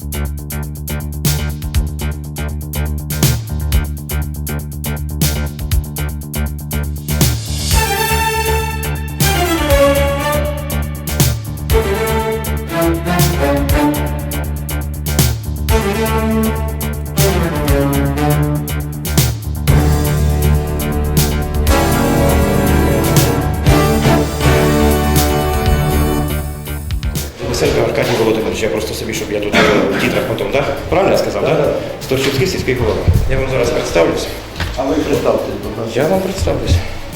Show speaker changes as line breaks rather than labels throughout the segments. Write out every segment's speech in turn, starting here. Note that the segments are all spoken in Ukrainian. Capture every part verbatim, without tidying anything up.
Лисенко Аркадій Володимирович, я просто собі, щоб я тут в тітрах потім, так? Правильно я сказав, так? Да? Сторчівський сільський голова. Я вам зараз представлюсь.
А ви представте, будь ласка.
Я вам представлюсь.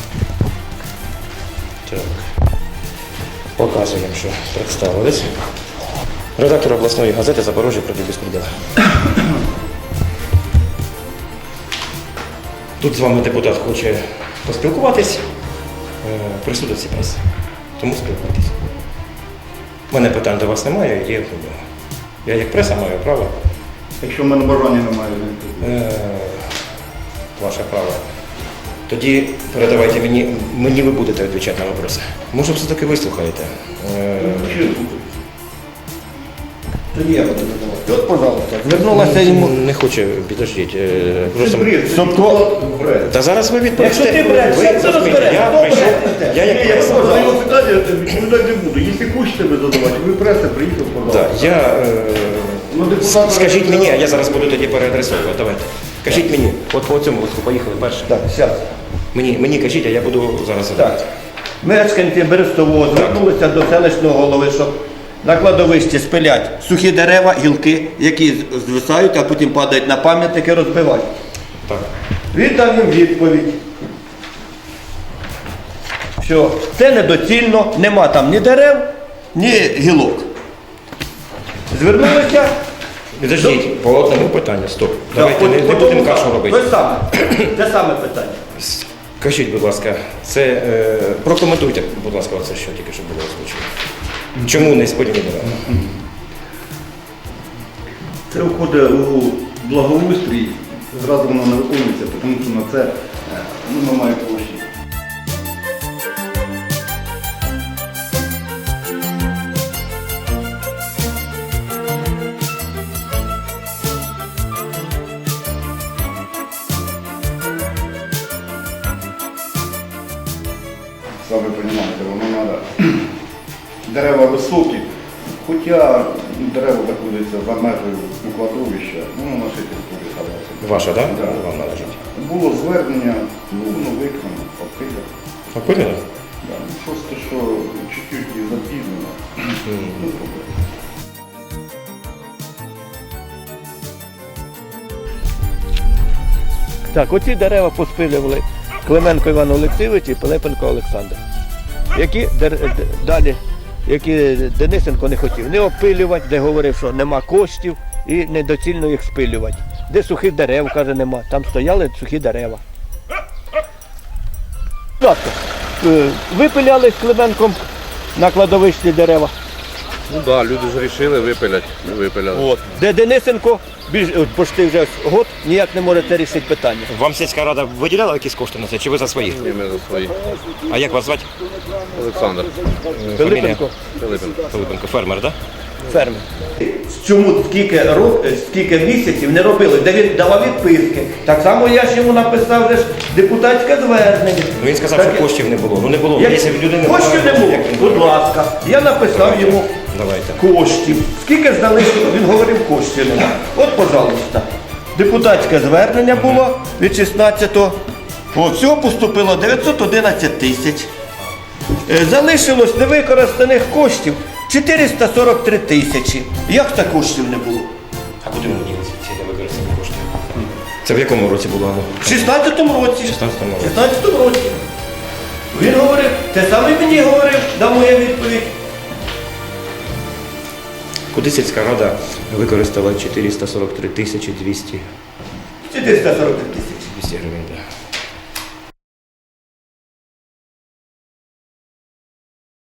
Так. Показуємо, що представились. Редактор обласної газети «Запорожжя проти безпреділу». Тут з вами депутат хоче поспілкуватись, присутності преси. Тому спілкуйтесь. У мене питань до вас немає, є в нього. Я як преса маю право.
Якщо в мене бажання немає,
Е, Ваше право. Тоді передавайте мені, мені ви будете відповідати на вопроси. Може, все-таки вислухаєте. Е,
тоді я буду задавати. От, пожалуйста, звернулася йому.
Не хоче, підождіть. е, Просто...
Собто,
Та зараз ви відповісте.
Якщо ти бреш,
Ви
як це
розумієте,
розбереш?
я
Хто
прийшов,
бере?
я як
Ні,
преса.
я за його питання відповідати не буду. Якщо хочете ви задавати, ви преса, приїхав,
Да,
пожалуйста.
я, е,
Ну, депутат-
скажіть мені, а я зараз буду тоді переадресовувати. Давайте. Кажіть мені, от по цьому листку поїхали перше.
Так, зараз.
Мені, мені кажіть, а я буду зараз задавати.
Так. Мешканці Берестового звернулися до селищного голови, щоб на кладовищі спилять сухі дерева, гілки, які звисають, а потім падають на пам'ятники, розбивають.
Так.
Він дав їм відповідь, що це недоцільно, нема там ні дерев, ні гілок. Звернулися.
Підождіть, по одному питанню, стоп.
Так,
Давайте не,
по-
не
по
будемо
тому
кашу
самому.
робити.
Те саме. Те саме питання.
Скажіть, будь ласка, це е, прокоментуйте, будь ласка, це що тільки що було озвучено. Чому не сподівні дерева?
Це входить у благоустрій, зразу воно не виконується, тому що на це е, ну, немає коштів. Самі розумієте, воно треба. Дерева високі, хоча дерева знаходяться за межею у кладовища, ну, на нашій території ставилося.
Ваша, так?
Да.
Вам належить.
Було звернення, ну, воно виконано, опилено.
Опилено?
Да. Ну, просто що чуть-чуть і запізнено. Ну, проблема.
Так, оці дерева поспилювали Клименко Іван Олексійович і Пилипенко Олександр, які дер- д- далі, які Денисенко не хотів не опилювати, де говорив, що нема коштів і недоцільно їх спилювати. Де сухих дерев, каже, нема, там стояли сухі дерева. Будь ласка, е, випиляли з Клименком на кладовищі дерева.
Ну так, да, люди ж вирішили випилять, ми випиляли.
От. Де Денисенко більш, от, почти вже год ніяк не може це рішити питання.
Вам сільська рада виділяла якісь кошти на це, чи ви за свої?
І ми за свої.
А як вас звати?
Олександр
Пилипенко,
Пилипенко.
Пилипенко, фермер, так?
фермер. Чому скільки, рок, скільки місяців не робили, де він давав відписки. Так само я ж йому написав вже ж депутатське звернення.
Ну він сказав,
Так,
що коштів не було. Ну не було.
як-
Якщо в людини
коштів не було,
як він
будь
буде?
ласка. Я написав йому
Давайте.
коштів. Скільки ж залишило, він говорив, коштів нема. От, пожалуйста. Депутатське звернення було від шістнадцятого. От, всього поступило дев'ятсот одинадцять тисяч. Е, Залишилось невикористаних коштів чотириста сорок три тисячі. Як так коштів не було?
А куди вони ділися ці невикористані кошти? Це в якому році було?
В шістнадцятому році.
В шістнадцятому році.
В шістнадцятому році. Він говорив, те саме мені говорив, дав моя відповідь.
Куди сільська рада використала чотириста сорок три тисячі двісті
чотириста сорок три тисячі.
двісті гривень? Да.